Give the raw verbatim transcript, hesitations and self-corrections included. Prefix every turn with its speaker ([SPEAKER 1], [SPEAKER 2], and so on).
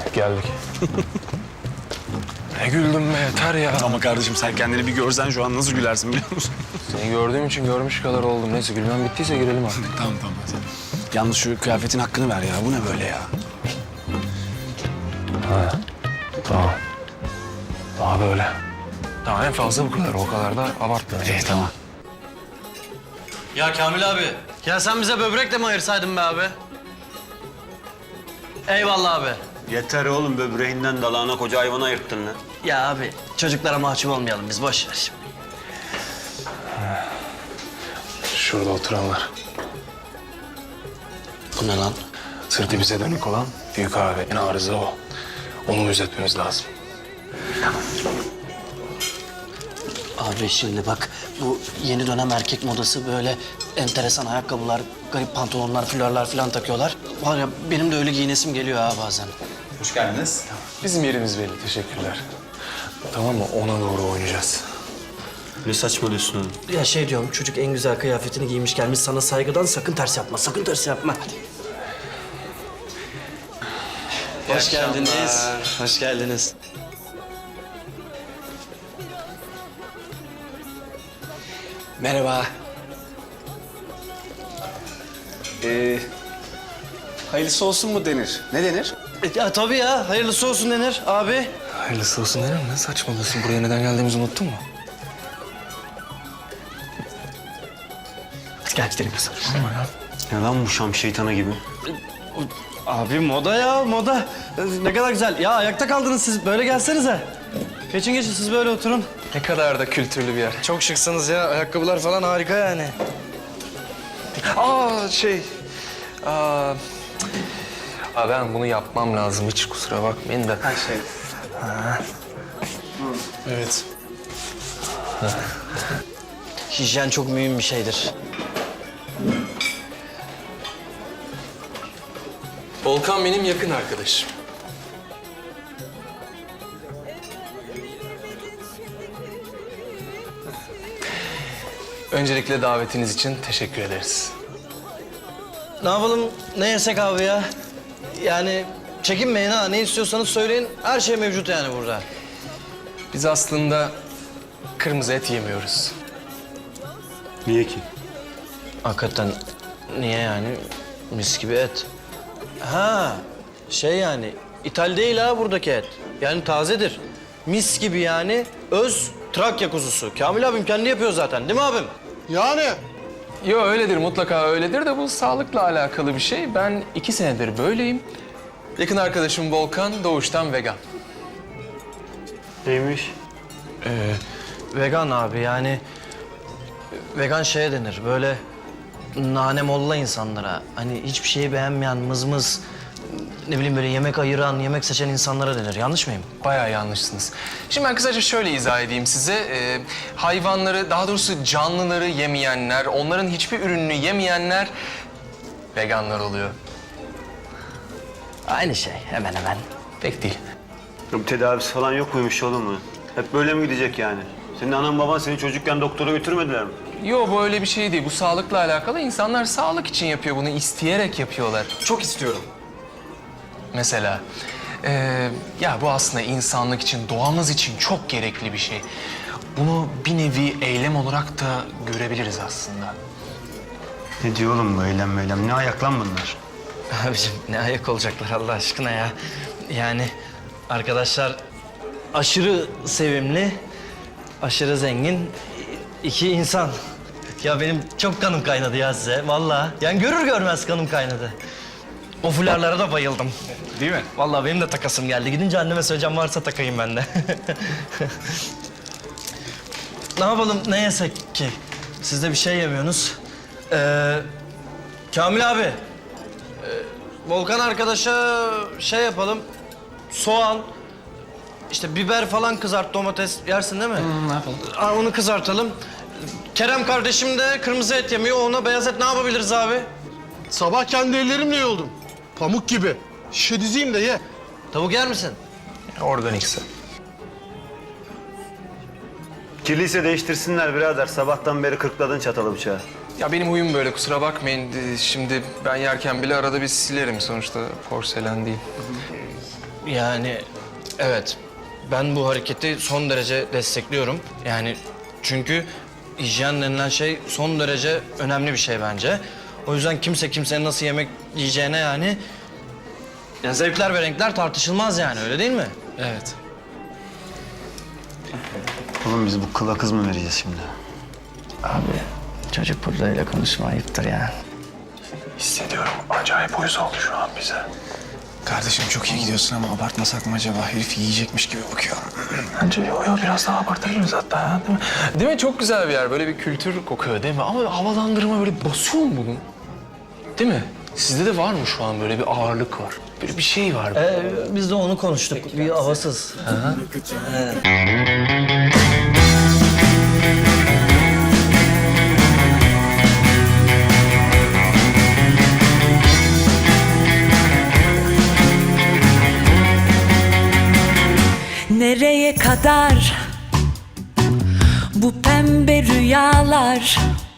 [SPEAKER 1] Geldik. Ne güldüm be, yeter ya.
[SPEAKER 2] Ama kardeşim sen kendini bir görsen şu an nasıl gülersin biliyor musun?
[SPEAKER 1] Seni gördüğüm için görmüş kadar oldum. Neyse gülmem bittiyse girelim artık.
[SPEAKER 2] Tamam tamam. Tamam. Yalnız şu kıyafetin hakkını ver ya. Bu ne böyle ya?
[SPEAKER 1] Ha. Tamam. Daha böyle. Daha en fazla bu kadar. O kadar da abartma.
[SPEAKER 2] İyi tamam.
[SPEAKER 3] Ya Kamil abi, ya sen bize böbrek de mi ayırsaydın be abi? Eyvallah abi.
[SPEAKER 4] Yeter oğlum, böbreğinden dalağına koca hayvanı ayırttın lan.
[SPEAKER 3] Ya abi, çocuklara mahcup olmayalım biz, boş ver şimdi.
[SPEAKER 1] Şurada oturanlar.
[SPEAKER 3] Bu ne lan?
[SPEAKER 1] Sırtı bize dönük olan büyük abi. En arıza o. Onu gözetmemiz lazım.
[SPEAKER 3] Abi şimdi bak, bu yeni dönem erkek modası böyle enteresan ayakkabılar, garip pantolonlar, fularlar falan takıyorlar. Var ya, benim de öyle giyinesim geliyor ha bazen.
[SPEAKER 2] Hoş geldiniz.
[SPEAKER 1] Bizim yerimiz belli. Teşekkürler. Tamam mı? Ona doğru oynayacağız.
[SPEAKER 4] Ne saçmalıyorsun oğlum?
[SPEAKER 3] Ya şey diyorum, çocuk en güzel kıyafetini giymiş gelmiş sana saygıdan, sakın ters yapma, sakın ters yapma. Hadi. Hoş geldiniz. Hoş geldiniz.
[SPEAKER 2] Merhaba. Ee, hayırlısı olsun mu denir? Ne denir?
[SPEAKER 3] E, Ya tabii ya, hayırlısı olsun denir abi.
[SPEAKER 1] Hayırlısı olsun derim. Ne saçmalıyorsun? Buraya neden geldiğimizi unuttun mu?
[SPEAKER 3] Hadi gel gidelim kızım.
[SPEAKER 4] Ne lan bu Şam şeytanı gibi?
[SPEAKER 3] Abi moda ya, moda. Ne kadar güzel. Ya ayakta kaldınız siz, böyle gelsenize. Geçin geçin, siz böyle oturun.
[SPEAKER 1] Ne kadar da kültürlü bir yer.
[SPEAKER 3] Çok şıksınız ya, ayakkabılar falan harika yani.
[SPEAKER 1] Aa şey... Aa, aa, ben bunu yapmam lazım. Hiç kusura bakmayın da.
[SPEAKER 2] Her şey.
[SPEAKER 1] Evet.
[SPEAKER 3] Hijyen çok mühim bir şeydir.
[SPEAKER 1] Volkan benim yakın arkadaşım. Öncelikle davetiniz için teşekkür ederiz.
[SPEAKER 3] Ne yapalım, ne yesek abi ya? Yani çekinmeyin ha, ne istiyorsanız söyleyin. Her şey mevcut yani burada.
[SPEAKER 1] Biz aslında kırmızı et yemiyoruz.
[SPEAKER 4] Niye ki?
[SPEAKER 3] Hakikaten niye yani? Mis gibi et. Ha, şey yani, ithal değil ha buradaki et. Yani tazedir. Mis gibi yani, öz Trakya kuzusu. Kamil abim kendi yapıyor zaten, değil mi abim?
[SPEAKER 5] Yani
[SPEAKER 1] Yo öyledir, mutlaka öyledir de bu sağlıkla alakalı bir şey. Ben iki senedir böyleyim. Yakın arkadaşım Volkan doğuştan vegan.
[SPEAKER 4] Neymiş?
[SPEAKER 3] Vegan abi yani, vegan şeye denir böyle nane molla insanlara. Hani hiçbir şeyi beğenmeyen, mızmız, ne bileyim böyle yemek ayıran, yemek seçen insanlara denir. Yanlış mıyım?
[SPEAKER 1] Bayağı yanlışsınız. Şimdi ben kısaca şöyle izah edeyim size. Ee, hayvanları, daha doğrusu canlıları yemeyenler, onların hiçbir ürününü yemeyenler veganlar oluyor.
[SPEAKER 3] Aynı şey, hemen hemen.
[SPEAKER 1] Pek değil.
[SPEAKER 4] Bir tedavisi falan yok muymuş oğlum mu? Hep böyle mi gidecek yani? Senin anan baban seni çocukken doktora götürmediler mi?
[SPEAKER 1] Yo bu öyle bir şey değil. Bu sağlıkla alakalı. İnsanlar sağlık için yapıyor bunu. İsteyerek yapıyorlar.
[SPEAKER 5] çok istiyorum.
[SPEAKER 1] Mesela. Ee, ya bu aslında insanlık için, doğamız için çok gerekli bir şey. Bunu bir nevi eylem olarak da görebiliriz aslında.
[SPEAKER 4] Ne diyor oğlum bu eylem meylem? Ne ayak lan bunlar?
[SPEAKER 3] Abiciğim ne ayak olacaklar Allah aşkına ya. Yani arkadaşlar aşırı sevimli, aşırı zengin iki insan. Ya benim çok kanım kaynadı ya size vallahi. Yani görür görmez kanım kaynadı. O fularlara da bayıldım.
[SPEAKER 2] Değil mi?
[SPEAKER 3] Vallahi benim de takasım geldi. Gidince anneme söyleyeceğim, varsa takayım ben de. Ne yapalım, ne yesek ki? Siz de bir şey yemiyorsunuz. Ee, Kamil abi, e, Volkan arkadaşa şey yapalım. Soğan, işte biber falan kızart, domates yersin değil mi?
[SPEAKER 1] Ne yapalım?
[SPEAKER 3] Aa, onu kızartalım. Kerem kardeşim de kırmızı et yemiyor. Ona beyaz et ne yapabiliriz abi?
[SPEAKER 5] Sabah kendi ellerimle yoldum. Pamuk gibi. Şişe dizeyim de ye.
[SPEAKER 3] Tavuk yer misin?
[SPEAKER 1] Organikse.
[SPEAKER 4] Kirliyse değiştirsinler birader. Sabahtan beri kırkladın çatalı bıçağı.
[SPEAKER 1] Ya benim huyum böyle, kusura bakmayın. Ee, Şimdi ben yerken bile arada bir silerim. Sonuçta porselen değil.
[SPEAKER 3] Yani evet, ben bu hareketi son derece destekliyorum. Yani çünkü hijyen denilen şey son derece önemli bir şey bence. O yüzden kimse kimsenin nasıl yemek yiyeceğine yani... Ya zevkler ve renkler tartışılmaz yani, öyle değil mi?
[SPEAKER 1] Evet.
[SPEAKER 4] Oğlum biz bu kıla kız mı vereceğiz şimdi?
[SPEAKER 3] Abi çocuk burada öyle konuşma, ayıptır ya.
[SPEAKER 1] Hissediyorum. Acayip uyuz oldu şu an bize.
[SPEAKER 6] Kardeşim çok iyi gidiyorsun ama abartmasak mı acaba? Herif yiyecekmiş gibi bakıyor.
[SPEAKER 1] Bence yo yo biraz daha abartabiliriz hatta ya, değil mi? Değil mi? Çok güzel bir yer. Böyle bir kültür kokuyor değil mi? Ama havalandırma böyle basıyor mu bunun? Değil mi? Sizde de var mı şu an böyle bir ağırlık var? Böyle bir şey var.
[SPEAKER 3] Ee, biz de onu konuştuk, bir havasız.
[SPEAKER 7] Nereye kadar bu pembe rüyalar?